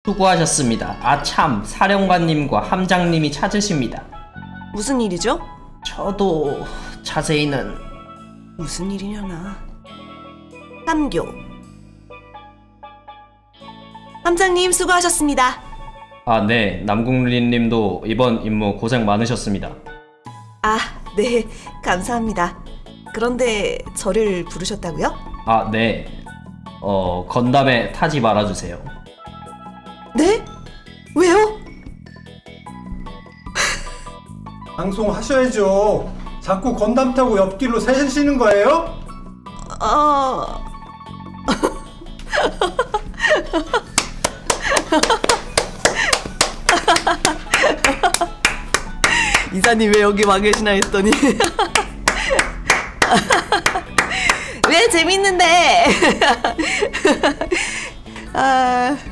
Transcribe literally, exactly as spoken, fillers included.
수고하셨습니다. 아참, 사령관님과 함장님이 찾으십니다. 무슨 일이죠? 저도 자세히는... 무슨 일이려나. 삼교. 함장님 수고하셨습니다. 아, 네. 남궁린님도 이번 임무 고생 많으셨습니다. 아, 네. 감사합니다. 그런데 저를 부르셨다고요? 아, 네. 어, 건담에 타지 말아주세요. 네? 왜요? 방송하셔야죠. 자꾸 건담 타고 옆길로 새시는 거예요? 어... 이사님 왜 여기 와 계시나 했더니 왜 재밌는데 아...